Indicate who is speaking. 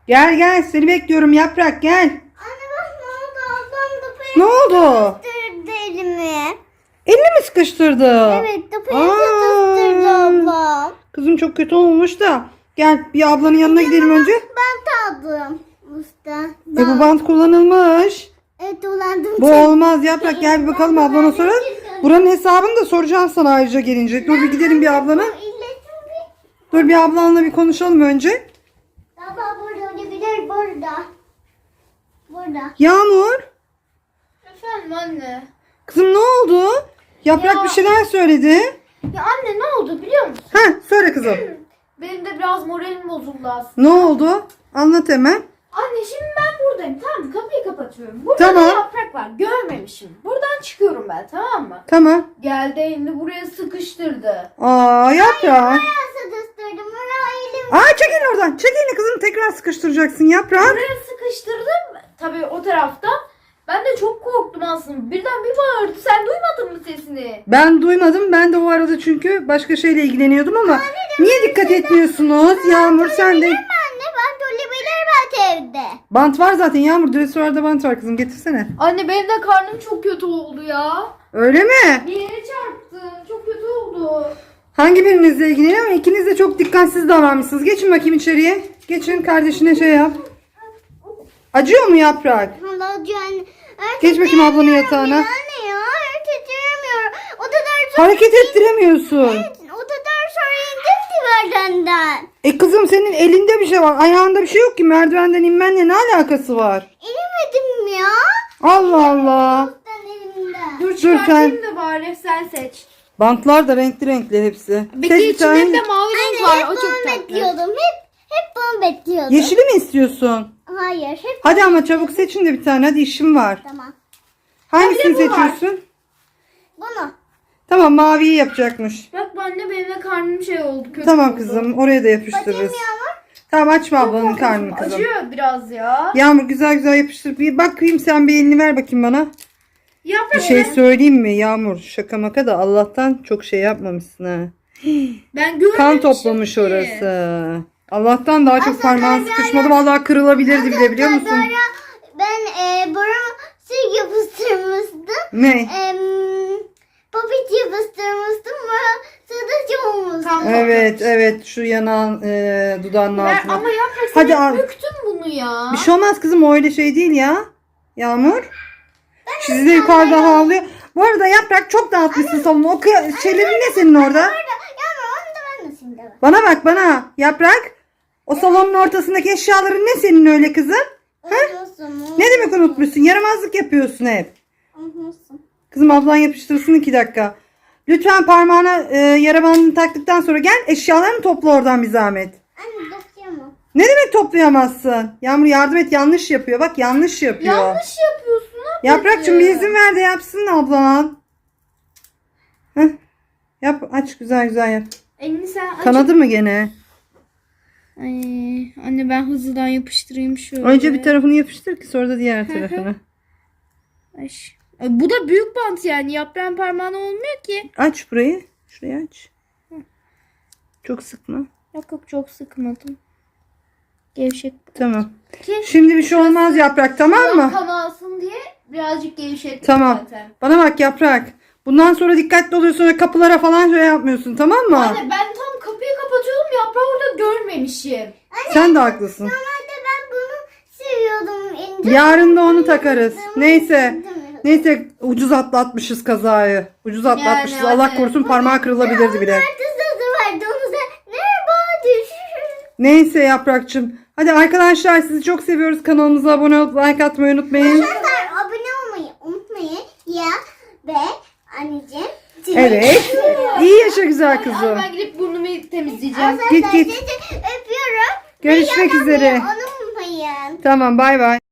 Speaker 1: Gel gel, seni bekliyorum Yaprak, gel.
Speaker 2: Anne bak ne oldu? Ablam da
Speaker 1: Ne oldu?
Speaker 2: sıkıştırdı elimi.
Speaker 1: Elini mi sıkıştırdı?
Speaker 2: Evet da sıkıştırdı ablam.
Speaker 1: Kızım çok kötü olmuş da. Gel bir ablanın yanına gidelim önce.
Speaker 2: Ben aldım usta.
Speaker 1: Bu bant kullanılmış.
Speaker 2: Evet dolandım.
Speaker 1: Bu olmaz Yaprak, gel bir bakalım ablana sonra. Buranın hesabını da soracağım sana ayrıca gelince. Dur bir gidelim bir ablana. Dur bir ablanla bir konuşalım önce.
Speaker 2: Baba burada olabilir burada. Burada.
Speaker 1: Yağmur.
Speaker 3: Efendim anne.
Speaker 1: Kızım ne oldu? Yaprak
Speaker 3: Ya.
Speaker 1: bir şeyler söyledi.
Speaker 3: Ya anne ne oldu biliyor musun?
Speaker 1: Ha söyle kızım.
Speaker 3: Benim de biraz moralim bozuldu aslında.
Speaker 1: Ne oldu? Anlat hemen.
Speaker 3: Anne şimdi ben buradayım tamam mı? Kapıyı kapatıyorum. Burada
Speaker 1: Tamam.
Speaker 3: da yaprak var. Görmemişim. Buradan çıkıyorum ben tamam mı?
Speaker 1: Tamam.
Speaker 3: Geldi elini buraya sıkıştırdı.
Speaker 1: Aa Yaprak.
Speaker 2: Bayağı sıkıştırdım. Oraya elim.
Speaker 1: Çekil oradan. Çekil kızım, tekrar sıkıştıracaksın Yaprak.
Speaker 3: Buraya sıkıştırdım. Tabii o taraftan. Ben de çok korktum aslında. Birden bir bağırdı. Sen duymadın mı sesini?
Speaker 1: Ben duymadım. Ben de o arada çünkü başka şeyle ilgileniyordum ama niye dikkat etmiyorsunuz? Yağmur sen de.
Speaker 2: Anne ben olabilir belki evde.
Speaker 1: Bant var zaten Yağmur. Dresörde bant var kızım, getirsene.
Speaker 3: Anne benim de karnım çok kötü oldu ya.
Speaker 1: Öyle mi?
Speaker 3: Bir yere çarptım. Çok kötü oldu.
Speaker 1: Hangi birinizle ilgileniyor ama ikiniz de çok dikkatsiz davranmışsınız. Geçin bakayım içeriye. Geçin, kardeşine şey yap. Acıyor mu Yaprak?
Speaker 2: Halacığım.
Speaker 1: Geç bakayım ablanın yatağına.
Speaker 2: Anne ya titremiyorum. O kadar
Speaker 1: Hareket ettiremiyorsun.
Speaker 2: o kadar sonra indim ki merdivenden.
Speaker 1: Kızım senin elinde bir şey var. Ayağında bir şey yok ki. Merdivenden inmenle ne alakası var?
Speaker 2: İnemedim ya.
Speaker 1: Allah Allah.
Speaker 2: Ben elimden.
Speaker 3: Dur
Speaker 1: sen.
Speaker 3: çıkartayım da bari sen seç.
Speaker 1: Bantlar da renkli renkli hepsi.
Speaker 3: Peki
Speaker 1: Seç bir tane.
Speaker 3: içinde de mavi renk
Speaker 2: Anne hep
Speaker 3: var. O çok
Speaker 2: bunu
Speaker 3: tatlı.
Speaker 2: bekliyordum. Hep bunu bekliyordum.
Speaker 1: Yeşili mi istiyorsun?
Speaker 2: Hayır hep
Speaker 1: Hadi ama çabuk seçin de bir tane. Hadi işim var.
Speaker 2: tamam.
Speaker 1: Hangisini
Speaker 3: bir de bu var.
Speaker 1: seçiyorsun?
Speaker 2: Bunu.
Speaker 1: Tamam, maviyi yapacakmış.
Speaker 3: Bak anne benim de karnım şey oldu. Kötü
Speaker 1: Tamam
Speaker 3: oldu.
Speaker 1: kızım, oraya da
Speaker 2: Bakayım
Speaker 1: yapıştırırız.
Speaker 2: Yağmur.
Speaker 1: Tamam, açma ablanın
Speaker 3: Korkunç.
Speaker 1: karnını kızım.
Speaker 3: Acıyor biraz ya.
Speaker 1: Yağmur güzel güzel yapıştır. Bir bakayım, sen bir elini ver bakayım bana. Bir
Speaker 3: Yaprak
Speaker 1: şey söyleyeyim mi Yağmur? Şaka maka da Allah'tan çok şey yapmamışsın ha.
Speaker 3: ben görmemişim
Speaker 1: Kan toplamış
Speaker 3: ki.
Speaker 1: orası. Allah'tan daha çok parmağın sıkışmadı. Vallahi kırılabilirdi bile, biliyor musun?
Speaker 2: Ben burama şey yapıştırmıştım.
Speaker 1: Ne?
Speaker 2: Popit yapıştırmıştım. Burası olmuştu.
Speaker 3: Kan
Speaker 1: Evet evet, şu yanağın dudağının
Speaker 3: Ben,
Speaker 1: altına.
Speaker 3: ama yaprak
Speaker 1: Hadi
Speaker 3: sen
Speaker 1: al.
Speaker 3: büktün bunu ya.
Speaker 1: Bir şey olmaz kızım, o öyle şey değil ya. Yağmur. Sizi de yukarıda havlıyor. Bu arada Yaprak çok dağıtmışsın salonu. O şeylerin ne senin orada?
Speaker 2: Yağmur onu da ben de şimdi.
Speaker 1: Bana bak bana. Yaprak. O salonun ortasındaki eşyaların ne senin öyle kızım?
Speaker 2: Unutmuşsun.
Speaker 1: Ne demek unutmuşsun? Yaramazlık yapıyorsun hep.
Speaker 2: Unutmuşsun.
Speaker 1: Kızım ablan yapıştırsın 2 dakika. Lütfen parmağına yara bandını taktıktan sonra gel, eşyalarını topla oradan bir zahmet.
Speaker 2: Anne dokuyamam.
Speaker 1: Ne demek toplayamazsın? Yağmur yardım et, yanlış yapıyor. Bak yanlış yapıyor.
Speaker 3: Yanlış yapıyorsun ablacığım.
Speaker 1: Yaprakçım bir izin ver de yapsın ablan. Heh. Yap, aç güzel güzel yap.
Speaker 3: Elini sen aç.
Speaker 1: Kanadı mı gene?
Speaker 3: Ay, anne ben hızlıdan yapıştırayım şöyle.
Speaker 1: Önce bir tarafını yapıştır ki sonra da diğer tarafını.
Speaker 3: Ay, bu da büyük bant yani. Yaprağın parmağına olmuyor ki.
Speaker 1: Aç burayı. Şurayı aç. Çok sıkma.
Speaker 3: Yok yok çok sıkmadım. Gevşek.
Speaker 1: Tamam.
Speaker 3: Ki
Speaker 1: Şimdi bir şey olmaz Yaprak, tamam mı?
Speaker 3: kan alsın diye birazcık gevşettim
Speaker 1: Tamam.
Speaker 3: zaten.
Speaker 1: Bana bak Yaprak. Bundan sonra dikkatli oluyorsun, sonra kapılara falan şey yapmıyorsun, tamam mı?
Speaker 3: Anne ben tam kapıyı kapatıyordum, yaprağı orada görmemişim.
Speaker 1: Sen de haklısın.
Speaker 2: Normalde ben bunu seviyordum. İnce.
Speaker 1: Yarın da onu takarız. Neyse. Neyse, ucuz atlatmışız kazayı. Ucuz atlatmışız.
Speaker 3: Yani
Speaker 1: Allah
Speaker 3: anne.
Speaker 1: korusun, parmağı kırılabilirdi bile.
Speaker 2: Sızı vardı onu da. Merhaba düşürür.
Speaker 1: Neyse Yaprakçım. Hadi arkadaşlar, sizi çok seviyoruz. Kanalımıza abone olup like atmayı unutmayın.
Speaker 2: Arkadaşlar abone olmayı unutmayın. Ya ve anneciğim.
Speaker 1: Evet. İyi yaşa güzel
Speaker 3: Anne
Speaker 1: kızım.
Speaker 3: ben gidip burnumu temizleyeceğim.
Speaker 1: Git, git.
Speaker 2: Öpüyorum.
Speaker 1: Görüşmek üzere.
Speaker 2: Unutmayın.
Speaker 1: Tamam, bay bay.